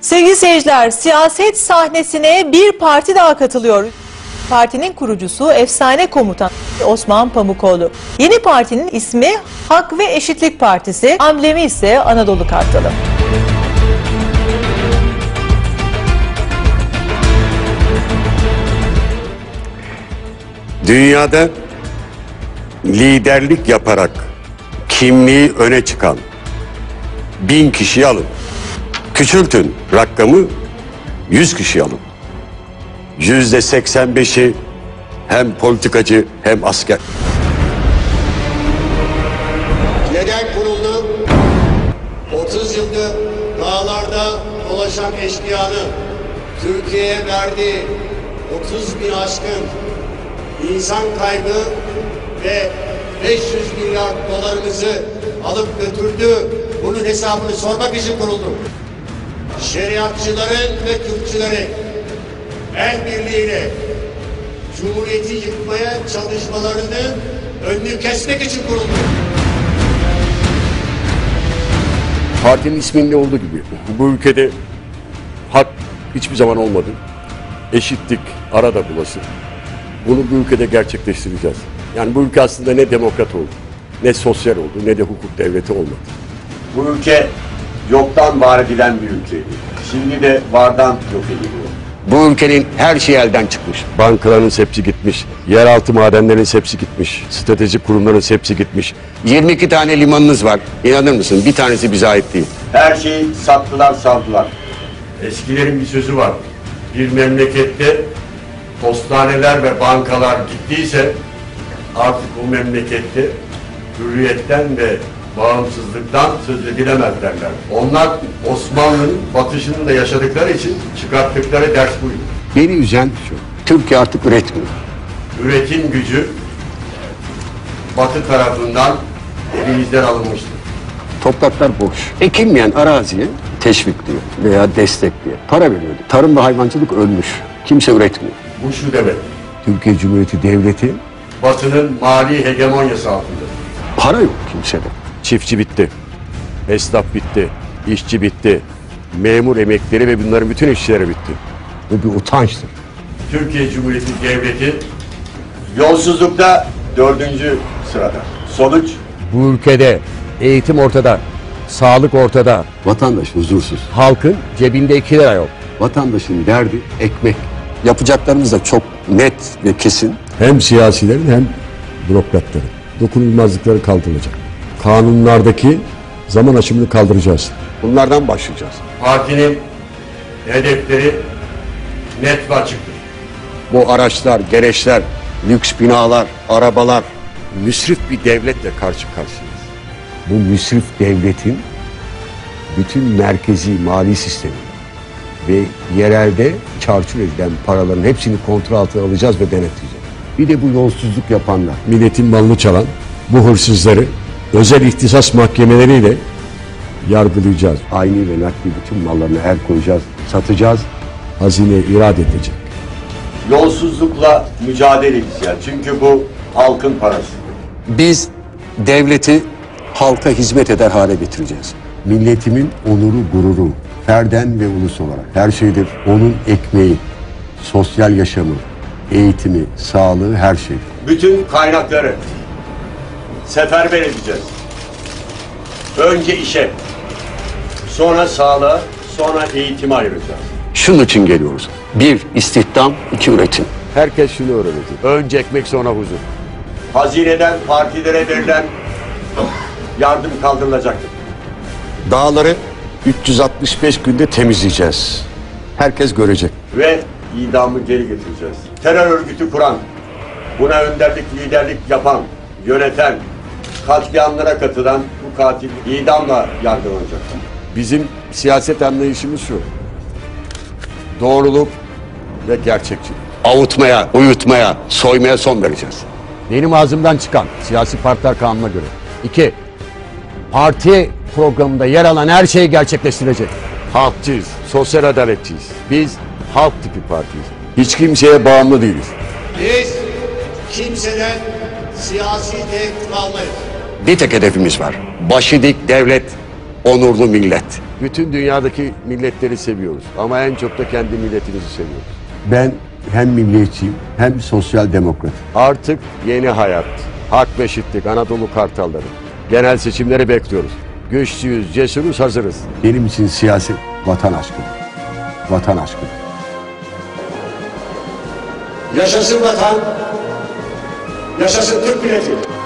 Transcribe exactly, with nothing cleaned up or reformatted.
Sevgili seyirciler, siyaset sahnesine bir parti daha katılıyor. Partinin kurucusu efsane komutan Osman Pamukoğlu. Yeni partinin ismi Hak ve Eşitlik Partisi, amblemi ise Anadolu Kartalı. Dünyada liderlik yaparak kimliği öne çıkan bin kişiyi alın. Küçültün rakamı, yüz kişi alın. Yüzde seksen beşi hem politikacı hem asker. Neden kuruldu? otuz yıldır dağlarda dolaşan eşkıyanın Türkiye'ye verdiği otuz bin aşkın insan kaybı ve beş yüz milyar dolarımızı alıp götürdü. Bunun hesabını sormak için kuruldu. Şeriatçıların ve Kürtçülerin el birliğiyle Cumhuriyeti yıkmaya çalışmalarının önünü kesmek için kuruldu. Partinin isminde olduğu gibi bu ülkede hak hiçbir zaman olmadı. Eşitlik arada bulası. Bunu bu ülkede gerçekleştireceğiz. Yani bu ülke aslında ne demokrat oldu, ne sosyal oldu, ne de hukuk devleti olmadı. Bu ülke yoktan var edilen bir ülkeydi. Şimdi de vardan yok ediliyor. Bu ülkenin her şeyi elden çıkmış. Bankaların hepsi gitmiş, yeraltı madenlerin hepsi gitmiş, stratejik kurumların hepsi gitmiş. yirmi iki tane limanınız var. İnanır mısın? Bir tanesi bize ait değil. Her şeyi sattılar, savdılar. Eskilerin bir sözü var. Bir memlekette postaneler ve bankalar gittiyse artık o memlekette hürriyetten ve bağımsızlıktan söz edilemez derler. Onlar Osmanlı'nın batışını da yaşadıkları için çıkarttıkları ders buydu. Beni üzen şu, Türkiye artık üretmiyor. Üretim gücü Batı tarafından elimizden alınmıştır. Topraklar boş. Ekilmeyen araziye teşvikliyor veya destekliyor. Para veriyordu. Tarım ve hayvancılık ölmüş. Kimse üretmiyor. Bu şu demek. Türkiye Cumhuriyeti Devleti Batı'nın mali hegemonyası altında. Para yok kimsede. Çiftçi bitti. Esnaf bitti. İşçi bitti. Memur emekleri ve bunların bütün işçileri bitti. Bu bir utançtır. Türkiye Cumhuriyeti Devleti yolsuzlukta dördüncü sırada. Sonuç? Bu ülkede eğitim ortada, sağlık ortada. Vatandaş huzursuz. Halkın cebinde iki lira yok. Vatandaşın derdi ekmek. Yapacaklarımız da çok net ve kesin. Hem siyasilerin hem bürokratların dokunulmazlıkları kaldırılacak. Kanunlardaki zaman aşımını kaldıracağız. Bunlardan başlayacağız. Partinin hedefleri net ve açıktır. Bu araçlar, gereçler, lüks binalar, arabalar, müsrif bir devletle karşı karşıyayız. Bu müsrif devletin bütün merkezi mali sistemi ve yerelde çarçur edilen paraların hepsini kontrol altına alacağız ve denetleyeceğiz. Bir de bu yolsuzluk yapanlar, milletin malını çalan bu hırsızları özel ihtisas mahkemeleriyle yargılayacağız. Ayni ve nakli bütün mallarına el koyacağız, satacağız. Hazine irade edecek. Yolsuzlukla mücadele edeceğiz. Çünkü bu halkın parası. Biz devleti halka hizmet eder hale getireceğiz. Milletimin onuru, gururu, ferden ve ulus olarak her şeydir. Onun ekmeği, sosyal yaşamı, eğitimi, sağlığı, her şey. Bütün kaynakları seferber edeceğiz. Önce işe, sonra sağlığa, sonra eğitime ayıracağız. Şunun için geliyoruz. Bir, istihdam, iki, üretim. Herkes şunu öğrenecek. Önce ekmek, sonra huzur. Hazineden partilere verilen yardım kaldırılacaktır. Dağları üç yüz altmış beş günde temizleyeceğiz. Herkes görecek. Ve idamı geri getireceğiz. Terör örgütü kuran, buna önderlik, liderlik yapan, yöneten, katliamlara katılan bu katil idamla yargılanacak. Bizim siyaset anlayışımız şu. Doğruluk ve gerçekçilik. Avutmaya, uyutmaya, soymaya son vereceğiz. Benim ağzımdan çıkan siyasi partiler kanununa göre. İki, parti programında yer alan her şeyi gerçekleştirecek. Halkçıyız, sosyal adaletçiyiz. Biz halk tipi partiyiz. Hiç kimseye bağımlı değiliz. Biz kimseden siyasi tehdit almayız. Bir tek hedefimiz var. Başı dik devlet, onurlu millet. Bütün dünyadaki milletleri seviyoruz ama en çok da kendi milletimizi seviyoruz. Ben hem milliyetçiyim hem sosyal demokrat. Artık yeni hayat, hak ve eşitlik, Anadolu Kartalları. Genel seçimleri bekliyoruz. Güçlüyüz, cesuruz, hazırız. Benim için siyaset vatan aşkıdır. Vatan aşkıdır. Yaşasın vatan, yaşasın Türk milleti.